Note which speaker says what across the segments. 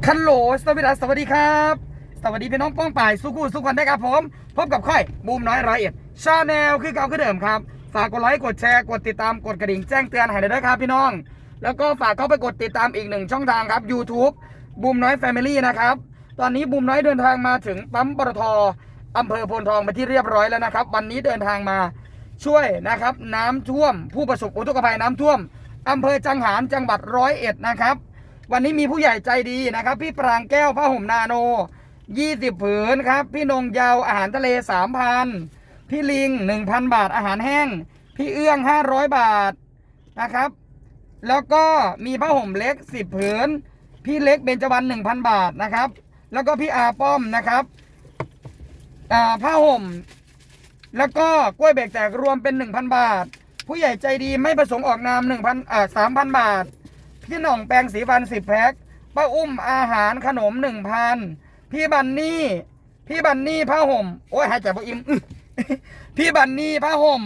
Speaker 1: คันโหลสวัสดีครับสวัสดีพี่น้องป้องป่ายสุขุสุขวันได้ครับผมพบกับค่อยบูมน้อย101ชาแนลคือเก่าคือเดิมครับฝากกดไลค์กดแชร์กดติดตามกดกระดิ่งแจ้งเตือนให้ด้วยครับพี่น้องแล้วก็ฝากเข้าไปกดติดตามอีก1ช่องทางครับ YouTube บูมน้อยแฟมิลี่นะครับตอนนี้บูมน้อยเดินทางมาถึงปั๊มปตท.อำเภอโพนทองไปที่เรียบร้อยแล้วนะครับวันนี้เดินทางมาช่วยนะครับน้ำท่วมผู้ประสบอุทกภัยน้ำท่วมอำเภอจังหารจังหวัด101นะครับวันนี้มีผู้ใหญ่ใจดีนะครับพี่ปรางแก้วผ้าห่มนาโน20ผืนครับพี่นงยาวอาหารทะเล 3,000 พี่ลิง 1,000 บาทอาหารแห้งพี่เอื้อง500 บาทนะครับแล้วก็มีผ้าห่มเล็ก10ผืนพี่เล็กเบญจวรรณ 1,000 บาทนะครับแล้วก็พี่อาป้อมนะครับผ้าห่มแล้วก็กล้วยเบรกแตกรวมเป็น 1,000 บาทผู้ใหญ่ใจดีไม่ประสงค์ออกนาม 3,000 บาทพี่หน่องแปรงสีฟัน10แพ็คป้าอุ้มอาหารขนม 1,000พี่บันนี่ผ้าห่มโอ้ยหายใจบ่อิ่มพี่บันนี่ผ้าห่ม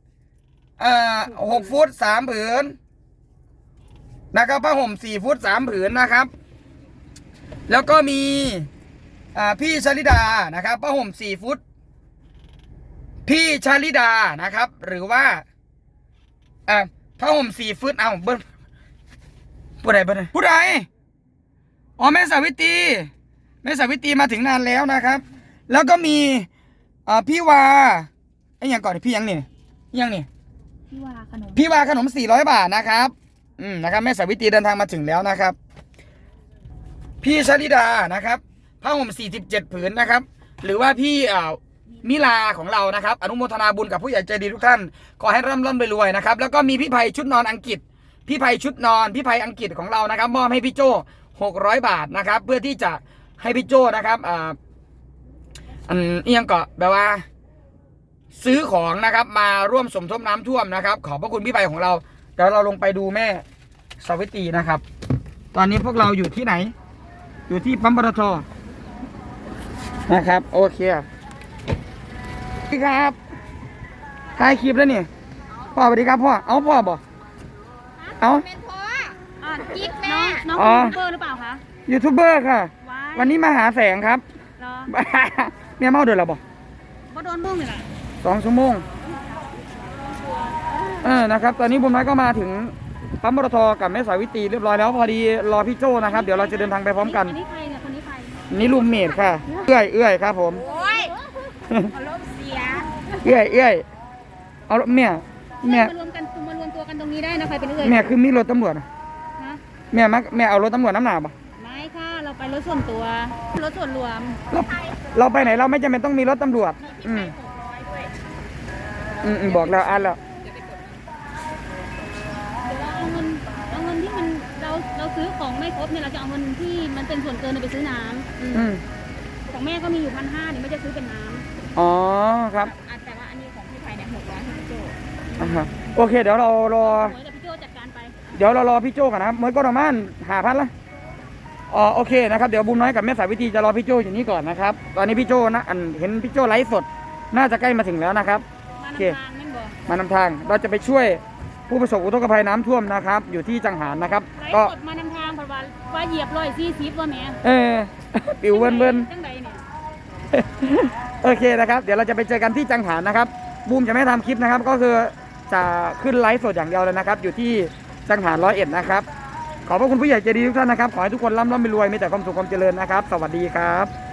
Speaker 1: 6 ฟุต 3 ผืนนะครับผ้าห่ม4 ฟุต 3 ผืนนะครับแล้วก็มีพี่ชลิดานะครับผ้าห่ม4 ฟุตพี่ชลิดานะครับหรือว่าผ้าห่ม4 ฟุตเอาเบิ้ลผู้ใดอ๋อแม่สาวิตรีมาถึงนานแล้วนะครับแล้วก็มีพี่วาไอ้ยังก่อนพี่ยังนี่พี่วาขนม400 บาทนะครับนะครับแม่สาวิตรีเดินทางมาถึงแล้วนะครับพี่ชลิดานะครับผ้าห่ม47 ผืนนะครับหรือว่าพี่มิลาของเรานะครับอนุโมทนาบุญกับผู้ใหญ่ใจดีทุกท่านขอให้ร่ำรวยนะครับแล้วก็มีพี่ไพชุดนอนอังกฤษพี่ไพอังกฤษของเรานะครับมอบให้พี่โจ้600 บาทนะครับเพื่อที่จะให้พี่โจ้นะครับยังก็แบบว่าซื้อของนะครับมาร่วมสมทบน้ำท่วมนะครับขอบพระคุณพี่ไพของเราเดี๋ยวเราลงไปดูแม่สาวิตรีนะครับตอนนี้พวกเราอยู่ที่ไหนอยู่ที่ปั๊มปตท.นะครับโอเคครับถ่ายคลิปแล้วนี่พ่อสวัสดีครับพ่อเอาพ่อบอกเอา
Speaker 2: เป็นพ่อกิ๊กแม่น้องยูทูบเบอร์หรือเปล่าคะ
Speaker 1: ยูทูบเบอร์ค่ะวันนี้มาหาแสงครับเนี่ยเมาเดือดหรอบอก
Speaker 2: โดนมุ่งเลยล่ะ
Speaker 1: 2 ชั่วโมงนะครับตอนนี้บุญน้อยก็มาถึงปั๊มปตท.กับแม่สาวิตรีเรียบร้อยแล้วพอดีรอพี่โจ้นะครับเดี๋ยวเราจะเดินทางไปพร้อมกัน
Speaker 2: นี่ใครเนี่ยคนนี้ใคร
Speaker 1: นี่ลูมเมดค่ะเอื้อยครับผม
Speaker 2: โอ้ยอารมณ์เสีย
Speaker 1: เอื้อยเอาแม่
Speaker 2: มารวมตัวกันตรงนี้ได้นะใครเป็นเอื้อย
Speaker 1: แม่คือมีรถตำรวจแม่เอารถตำรวจน้ำหนาปะ
Speaker 2: ไม่ค่ะเราไปรถส่วนตัวรถส่วนรวม
Speaker 1: เราไปไหนเราไม่จำเป็นต้องมีรถตำรวจบอกแล้วอ่านแล้ว
Speaker 2: เอาเงินที่มันเราซื้อของไม่ครบเนี่ยเราจะเอาเงินที่มันเป็นส่วนเกินไปซื้อน้ำของแม่ก็มีอยู่1,500เนี่ยไม่จะซื้อเป็นน้ำ
Speaker 1: อ๋อครับ
Speaker 2: แต่ว่าอันนี้ของพี่ไผ่เนี่ย600ให้พี่โจ
Speaker 1: โอเคเดี๋ยวเรารอ
Speaker 2: พี่โจจัดการไป
Speaker 1: เดี๋ยวเรารอพี่โจกันนะครับเมื่อก็ประมาณ5,000ละโอเคนะครับเดี๋ยวบุญน้อยกับแม่สาวิตรีจะรอพี่โจอยู่นี่ก่อนนะครับตอนนี้พี่โจนะเห็นพี่โจไลฟ์สดน่าจะใกล้มาถึงแล้วนะครับโอเคมานำทางเราจะไปช่วยผู้ประสบอุทกภัยน้ำท่วมนะครับอยู่ที่จังหารนะครับ
Speaker 2: ก็มานำทางเพราะว่าเหยียบ140ว่าแม่
Speaker 1: ปิวเบิ้ลโอเคนะครับเดี๋ยวเราจะไปเจอกันที่จังหารนะครับบูมจะไม่ทำคลิปนะครับก็คือจะขึ้นไลฟ์สดอย่างเดียวเลยนะครับอยู่ที่จังหาร101นะครับขอบพระคุณผู้ใหญ่ใจดีทุกท่านนะครับขอให้ทุกคนร่ำรวยมีแต่ความสุขความเจริญนะครับสวัสดีครับ